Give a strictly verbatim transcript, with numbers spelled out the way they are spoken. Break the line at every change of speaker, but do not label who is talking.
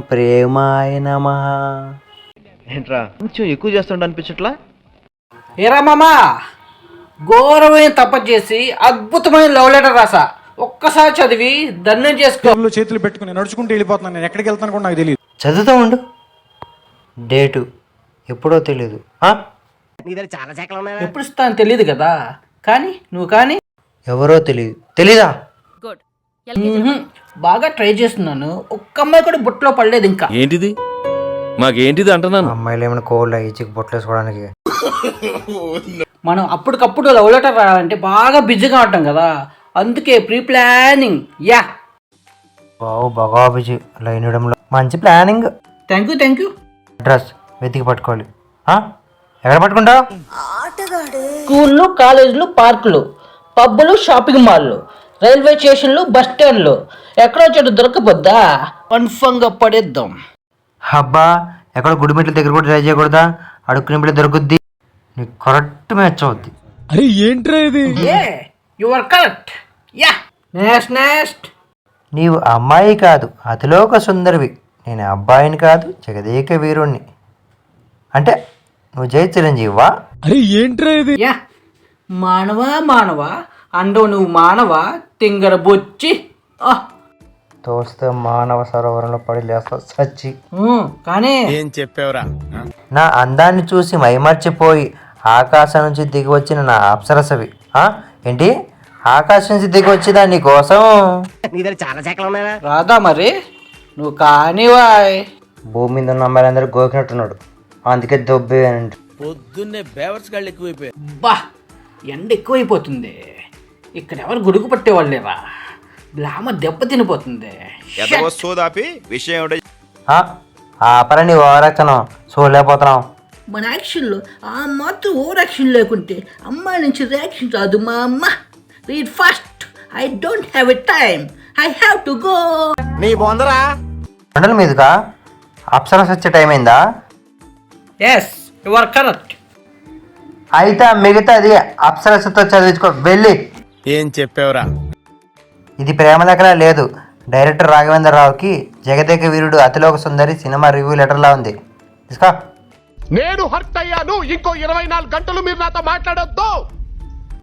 ప్రేమాయ నమః.
ఏంట్రా కొంచెం ఎక్కువ చేస్తుండ అనిపించట్లా?
ఏరా మామా, ఘోరమైన తప్ప చేసి అద్భుతమైన లవ్ లెటర్ రాసా. ఒక్కసారి చదివి దండం చేసుకో.
చేతులు పెట్టుకుని నడుచుకుంటూ వెళ్ళిపోతున్నాను. నేను ఎక్కడికి వెళ్తాను కూడా నాకు తెలియదు.
చదువుతూ ఉండు. డేటు ఎప్పుడో తెలియదు.
ఎప్పుడు ఇస్తాను తెలియదు కదా, కానీ నువ్వు కానీ
ఎవరో తెలియదు. తెలీదా?
మ్మ్హ్మ్. బాగా ట్రై చేస్తున్నాను. ఒక్క అమ్మాయి కూడా బుట్టలో పడలేదు ఇంకా.
ఏంటిది మాకేంటిది అంటున్నాను.
అమ్మాయిలు ఏమైనా కోల్డ్ ఇచ్చికి బొట్టలేసుకోవడానికి.
మనం అప్పటికప్పుడు లవ్ లెటర్ రాయాలంటే బాగా బిజీగా ఉంటాం కదా, అందుకే ప్రీ ప్లానింగ్. యా
బావు బాగా బిజీ లైన్ ఇవ్వడంలో. మంచి planning.
Thank you thank you.
Address వెతికి పట్టుకోవాలి. ఆ? ఎక్కడ పట్టుకుంటావు?
స్కూళ్ళు, కాలేజీలు, పార్కులు, పబ్బులు, షాపింగ్ మాల్లు, రైల్వే స్టేషన్లు, బస్ స్టాండ్లు, ఎక్కడో చోటు దొరకపోద్దా కన్ఫర్మ్గా పడేద్దాం.
అబ్బా, ఎక్కడ గుడిమెట్ల దగ్గర కూడా ట్రై చేయకూడదా? అడుక్కునే బిడ్డ దొరుకుద్ది. నీకు కరెక్ట్ మ్యాచ్ అవుద్ది.
అరే ఏంట్రా ఇది?
A you are correct. Yeah next next.
నీవు అమ్మాయి కాదు, అతిలోక సుందరివి. నేను అబ్బాయిని కాదు, జగదేక వీరుణ్ణి. అంటే నువ్వు జై చిరంజీవా?
అరే ఏంట్రా ఇది?
యా మానవ మానవ అండవు నువ్వు మానవ తింగర బొచ్చి.
తోస్తే మానవ సరోవరంలో పడి లేస్తా సచ్చి.
కానీ
ఏం చెప్పావురా?
నా అందాన్ని చూసి మైమర్చిపోయి ఆకాశం నుంచి దిగి వచ్చిన నా అప్సరసవి. ఆ? ఏంటి ఆకాశం నుంచి దిగి వచ్చిందా నీ కోసం?
రాదా మరి నువ్వు కానివాయ్.
భూమి మీద ఉన్న అమ్మాయిలందరూ గోకినట్టున్నాడు, అందుకే దొబ్బే అని.
పొద్దున్నే బేవర్స్ గాళ్ళు ఎక్కువైపోయారు.
బా ఎండ ఎక్కువైపోతుంది. ఇక్కడ ఎవరు గొడుగు పట్టేవాళ్ళేరా. గ్లామర్ దెబ్బ తినిపోతుంది.
ఆపరా నీ ఓవరాక్షను, చూడలేకపోతున్నావు.
మన యాక్షన్లో ఆ మాత్రం ఓవర్ యాక్షన్ లేకుంటే అమ్మాయి నుంచి రియాక్షన్ రాదు మా అమ్మ. Read fast. I don't have a time. I have to go.
నీ బొందరా
కొండల మీదుగా అప్సరస్ వచ్చే టైం అయిందా?
Yes you are correct.
అయితే మిగతాది అప్సరసతో చదివించుకో వెళ్ళి.
ఏం చెప్పావురా?
ఇది ప్రేమ లెక్కలా లేదు. డైరెక్టర్ రాఘవేంద్ర రావుకి జగదేక వీరుడు అతిలోక సుందరి సినిమా రివ్యూ లెటర్లా ఉంది. తీసుకో.
నేను హర్ట్ అయ్యాను. ఇంకో ఇరవై నాలుగు గంటలు మీరు నాతో మాట్లాడొద్దు.